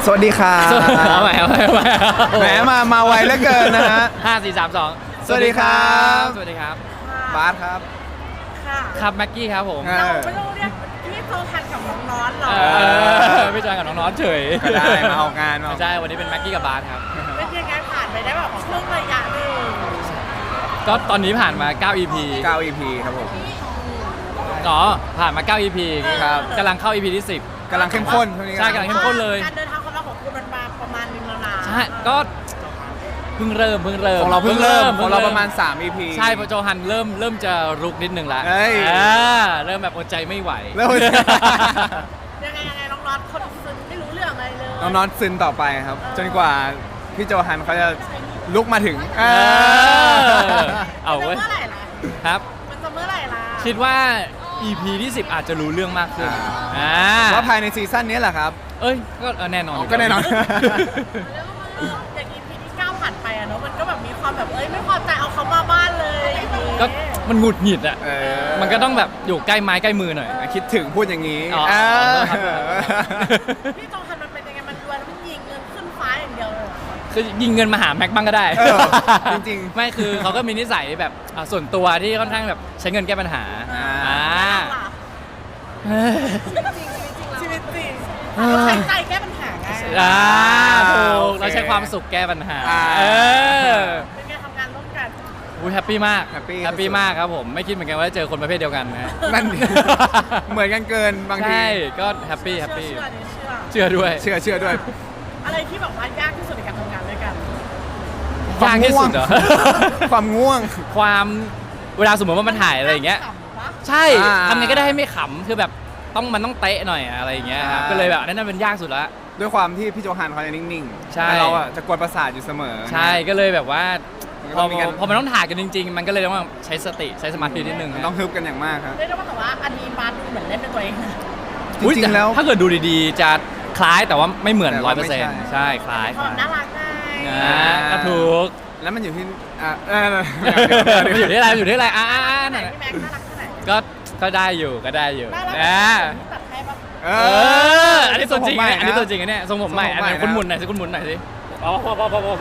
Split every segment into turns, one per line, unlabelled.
สวัสดีครับ
เอาใหม่
แหมมาไวเหลือเกินนะฮะ
5 4 3 2
สวัสดีครับ
สวัสดีครับ
บาสครับ
ค่ะ
ครับแม็กกี้ครับผม
เราไม่ต้องเรียกพี่โตทันกับน้องน้อนหรอ
ไม่ใช่กับน้องน้อนเฉย
ก็ได้มาออกงาน
ไม่ใช่วันนี้เป็นแม็กกี้กับบาสครับ
เป็นยังไงผ่านไปได้แบบช่วงระยะหนึ่ง
ก็ตอนนี้ผ่านมา9 EP
9 EP ครับผม
อ๋อผ่านมา9 EP
ครับ
กำลังเข้า EP ที่10
กำลังเข้มข้นช่วงนี้
ใช่กำลังเข้มข้นเลย
การเดินทางของเราของคุณมันมาประมาณนึงแล้วนะ
ใช่ก็เพิ่งเริ่ม
ของเราเพิ่งเริ่มของเราประมาณ3 EP
ใช่พอโจฮันเริ่มจะรุกนิดนึงละเริ่มแบบอดใจไม่ไหว
ยังไงน้องน็อตเขาซึนไม่รู้เรื่องอะไรเลย
น้องน็อตซึนต่อไปครับจนกว่าพี่โจฮันเขาจะลุกมาถึง
เอาเว้ย
เมื่อไหร่ล่ะ
ครับ
มันจะเมื่อไหร่ล่ะ
คิดว่า EP ที่10อาจจะรู้เรื่องมากขึ้น
ว่าภายในซีซั่นนี้แหละครับ
เอ้ยก็แน่นอน
ก็แน่นอน
อย่าง EP ที่9ผ่านไปอะเนาะมันก็แบบมีความแบบไม่พอใจเอาเขามาบ้านเลย
ก็มันหงุดหงิดอ่ะมันก็ต้องแบบอยู่ใกล้ไม้ใกล้มือหน่อย
คิดถึงพูดอย่างนี้
พี่จองฮันมันเป็นยังไงมันรวยแล้วมันยิงเงินขึ้นฟ้าอย่างเดียวเลย
คือยิงเงินมาหาแม็กบ้างก็ได้
จริง
ๆไม่คือเขาก็มีนิสัยแบบส่วนตัวที่ค่อนข้างแบบใช้เงินแก้ปัญหา
ชีวิตจริงเราใช้ใจแก้ปัญหาไง
ถูกเราใช้ความสุขแก้ปัญหา
เป็นไงทำงานร่วมกัน
แฮปปี้มากแฮปปี้มากครับผมไม่คิดเหมือนกันว่าจะเจอคนประเภทเดียวกันนะ
นั่นเหมือนกันเกินบางที
ใช่ก็แฮปปี้เชื่อด้วย
เชื่อด้วย
อะไรที่แบบว่ายากที่สุดในการทำงานด้วยกัน
ยากที่สุดเหรอ
ความง่วง
เวลาสมมติว่ามันถ่ายอะไรอย่างเงี้ยใช่ทำไงก็ได้ให้ไม่ขำคือแบบมันต้องเตะหน่อยอะไรอย่างเงี้ยครับก็เลยแบบนั่นเป็นยากสุดละ
ด้วยความที่พี่โจฮันเขาจะนิ่งๆ
ใช่
เราอ่ะจะกวนประสาทอยู่เสมอ
ใช่ก็เลยแบบว่าพอมันต้องถ่ายกันจริงๆมันก็เลยต้องใช้สติใช้สมาธินิดนึง
ต้องฮึบกันอย่างมากครับ
เรียกได้ว่าแต่ว่าอันนี้บาสดูเหมือนเล่นเป็นตัวเอง
จริงๆแล้ว
ถ้าเกิดดูดีๆจะคล้ายแต่ว่าไม่เหมือน 100% ใช่คล้าย
น่ารักไง
ก็ถูก
แล้วมันอยู่ที่
มันอยู่ที่อะไรอยู่ที่อะไร
นั่นพี่แม็กน่ารักแค่ไหน
ก็ได้อยู่อันนี้ตัวจริงอันนี้ตัวจริงอันนี้ทรงผมใหม่อันนี้คุณหมุนหน่อยสิคุณหมุนหน่อยสิพอ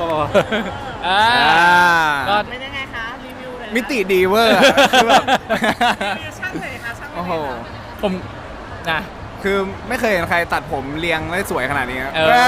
ก็เป็นยังไงคะรีวิวเลย
มิติดีเวอร์คือแบบ
รีวิวช่างเลยค่ะช่าง
โอ้โห
ผมนะ
คือไม่เคยเห็นใครตัดผมเรียงได้สวยขนาดนี้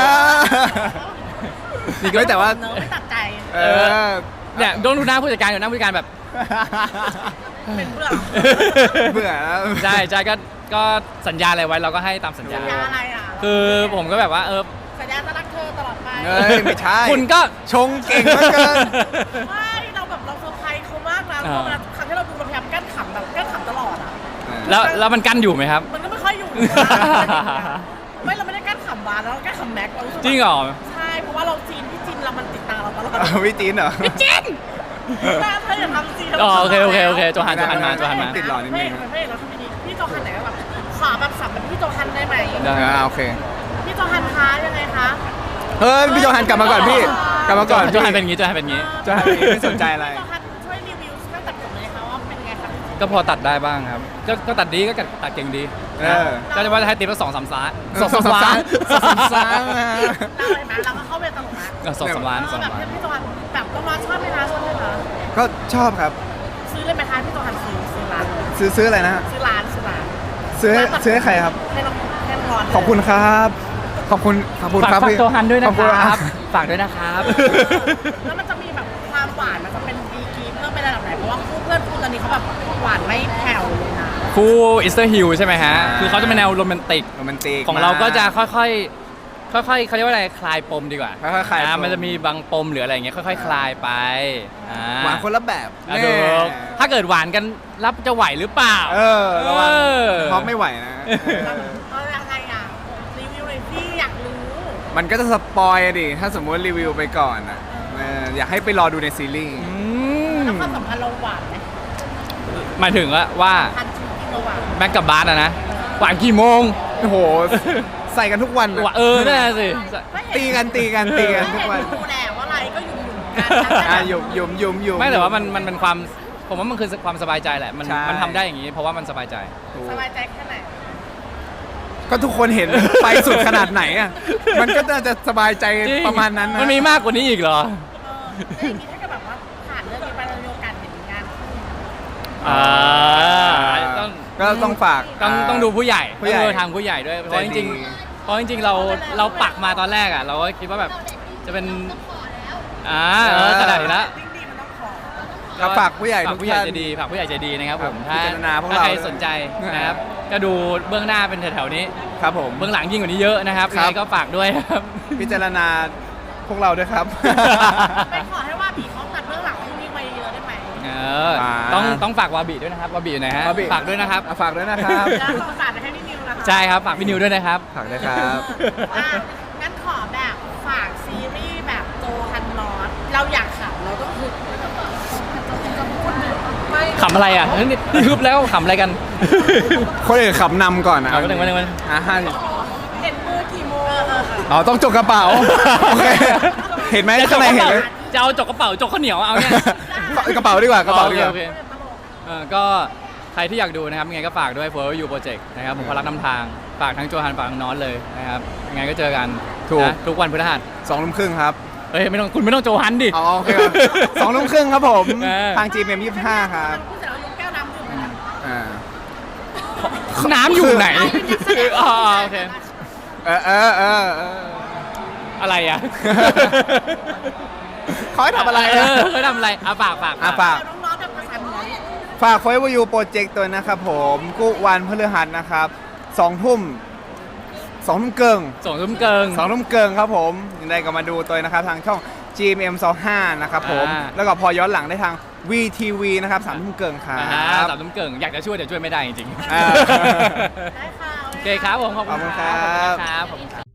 นี่ก็แต่ว่า
ไม่ตัดใจ
เนี่ยโดนดูหน้าผู้จัดการอยู่หน้าผู้จัดการแบบ
เป็น
เบื่อ
ใช่ก็สัญญาอะไรไว้เราก็ให้ตามสัญญา
อะไร
คือผมก็แบบว่า
สัญญาจะรักเธอตลอดไป
ไม่ใช่
คุณก็
ชงเก่งมากเกิน
ไม่เราแบบเราเซอร์ไพรส์เขามากนะเพราะเวลาครั้งที่เราดูเราพยายามกั้นขำแบบกั้นขำตลอดอ่ะ
แล้วมันกั้นอยู่ไหมครับ
มันก็ไม่ค่อยอยู่ไม่เราไม่ได้กั้นขำบาร์แล้วเรากั้นขำแม็ก
จริงเหรอ
ใช่เพราะว่าเราจีนพี่จีนเรามันติดตาเราตลอด
พี่จีนเหรอ
พี่จีนถ้าเธออย่าทำจีน
โอเคโจฮันมา
ติดหล่อนิดนึง
เราทำนี้พี่โจฮันไหนแบบขอแบบสับแบบพี่โจฮันได้ไหม
โอเค
พี่โจฮันคะยังไงคะ
พี่โจฮันกลับมาก่อนพี่กลับมาก่อน
โจฮันเป็นอย่างงี้
ไม่สนใจอะไร
พี่โจฮันช่วยรีวิวช่วยตัดผมเลยค่ะว่าเป็นไงครับ
ก็พอตัดได้บ้างครับก็ตัดดีก็ตัดเก่งดีก็จะว่าจะให้ติ๊บละ2-3 ล้าน2-3 ล้าน
เราก็เข้าไปตลกนะ
2-3 ล้าน
แบบพี่โจฮันแบบก็มาชอบไหมคะ
ก็ชอบครับ
ซื้อเลยไหมคะพี่โจฮันซื้อร้าน
ซื้ออะไรนะ
ซื้อร้าน
ซื้อให้ใครครับ
ให้น้อง
ขอบคุณครับขอบคุณครับ
พี่โจฮันด้วยนะครับฝากด้วยนะครับ
แล้วมันจะมีแบบความหวานมันจะเป็นดีกรีเพิ่มไประดับไหนเพราะว่าคู่เพื่อนคู่ตอนนี้เขาแบบหวานไม่แผ่วเลยนะ
คู่อิสเตอร์ฮิลใช่ไหมฮะคือเขาจะเป็นแนวโรแมนติกของเราก็จะค่อยเขาเรียกว่าอะไรคลายปมดีกว่า
ค่อยๆคลาย
มันจะมีบางปมหรืออะไรอย่างเงี้ยค่อยๆคลายไป
หวานคนละแบบ
ถ้าเกิดหวานกันรับจะไหวหรือเปล่า
ระวังเพราะไม่ไหวนะ
ยังไงรีวิวเลยพี่อยากรู้
มันก็จะสปอยดิถ้าสมมติรีวิวไปก่อนอยากให้ไปรอดูในซีรีส์
แล้วความสัมพันธ์เราหวานไหม
หมายถึงว่าแม็กกับบาสนะหวานกี่โมง
โอ้โหใส่กันทุกวัน
นั่นสิ
ตีกันทุกวัน
ดูแลว่าอะไรก็
ยุ่ม
ไม่แต่ว่ามันเป็นความผมว่ามันคือความสบายใจแหละมันทำได้อย่างนี้เพราะว่ามันสบายใจ
สบายใจแค่ไหน
ก็ทุกคนเห็น ไปสุดขนาดไหนอ่ะมันก็น่าจะสบายใจ
จง
ประมาณนั้นนะ
มันมีมากกว่านี้อีกเหรอ
แล้วอย่างนี้ถ้าเกิดแบบว่าผ่านเรื่องนี้ไปเรามีโอกาสเห็นงานคู่
ต้อง
ก็ต้องฝาก
ต้องดูผู้ใหญ่
ผู้ใหญ่
ต้องดูทางผู้ใหญ่ด้วยเพราะจริงๆเพราะจริงๆเราปักมาตอนแรกอ่ะเราก็คิดว่าแบบจะเป็นขนาดนี้แล้ว
จริงๆมันต้องขอ
ก็ฝากผู้ใหญ่
ฝาก
ทุก
ผู้ใหญ่
ท่าน
ใจดีฝากผู้ใหญ่ใจดีนะครับผม
พิจารณาพวกเรา
ถ้าใครสนใจนะครับก็ดูเบื้องหน้าเป็นแถวๆนี้
ครับผม
เบื้องหลังยิ่งกว่านี้เยอะนะครับ
ครับ
ยังไงก็ฝากด้วยครับ
พิจารณาพวกเราด้วยครับ
ไปขอให้ว่าบีเขาตัดเรื่องหลังให้นี่ไปเยอะได้ไหม
ต้องฝากวาบิด้วยนะครับวาบิอยู่ไหนฮะ
วาบิ
ฝากด้วยนะครับ
ฝากด้วยนะครับ
แล้วขอฝากไปให้พี่นิวนะคะ
ใช่ครับฝากพี่นิวด้วยนะครับ
ฝากด้วยครับ
อ่ะงั้นขอแบบฝากซีรีส์แบบโจฮันนอตเราอยากขำเราต้องคือไม่
ขำอะไรอ่ะนี่ฮึบแล้วขำอะไรกัน
คนอื่นขับนำก่อนนะ
เอาไปหนึ่ง
ฮะ
เห็นมือกี่โมง
อ๋อต้องจกกระเป๋า โอเค เห็นไหมข้างในเห็นไหม
จะเอาจกกระเป๋าจกข้าวเหนียวเอาเนี่ย
กระเป๋าดีกว่ากระเป๋าดีกว่า
โอเคก็ใครที่อยากดูนะครับยังไงก็ฝากด้วย For You Project นะครับผมพลักนำทางฝากทั้งโจฮันฝากทั้งน้อนเลยนะครับยังไงก็เจอกัน
ถูก
นะทุกวันพฤหัส
2:30ครับ
เฮ้ยไม่ต้องคุณไม่ต้องโจฮันดิ
อ๋อโอเคครับ2:30ครับผม
เออ
ทาง GMM 25ครับ
พูดเสร็จแล้วยกแก้วน้ำดื่มเลยนะ
อ่า
น้ำอยู่ไหนอ๋อโอเค
เออ
อะไรอ่ะ
เขาให้ทำอะไร
เขาทำอะไรฝาก
ฝาก
น้องๆแบบภาษาเหนือ
ฝาก Forever You Project ตัวนะครับผมกุวันพฤหัสนะครับ2 ทุ่มเกิง
ส่งทุ่มเกิง
2 ทุ่มเกิงครับผมยังไงก็มาดูตัวนะครับทางช่อง GMM 25นะครับผม
อ่า
แล้วก็พอย้อนหลังได้ทาง VTV นะครับ3 ทุ่มเกิงครั
สามทุ่มเกิงอยากจะช่วยแต่ช่วยไม่ได้จริงๆ
อ่า
ได้ค่ะ
โอเคครับผมขอบคุณ
ขอบคุณครับ
ครับขอบคุณครับ